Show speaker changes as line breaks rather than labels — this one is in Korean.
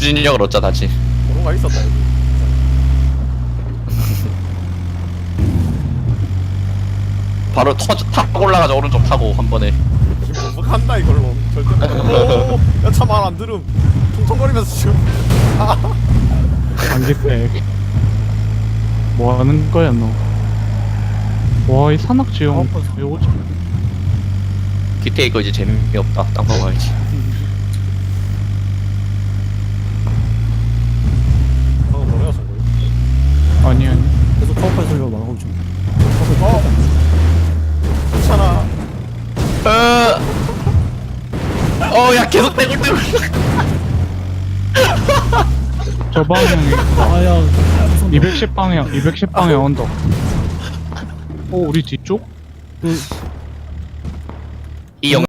추진력을 얻자 다시.
도로가 있었다 여기.
바로 타고 올라가자. 오른쪽 타고 한 번에.
지금 못한다 이걸로 절대 못. 야차 말 안 들음. 통통거리면서 지금.
안개팩. 뭐 하는 거야 너? 와 이 산악지형 이거
기태 이거 이제 재미없다. 땅 파봐야지.
방금 뭐래요 저거?
아니 아니.
계속 파워팔 소리가 나오고 좀.
괜찮아.
야 계속 떼굴떼굴.
저 방향에
아야.
210 방향 210 방향 언덕. 우리 뒤쪽?
이 영.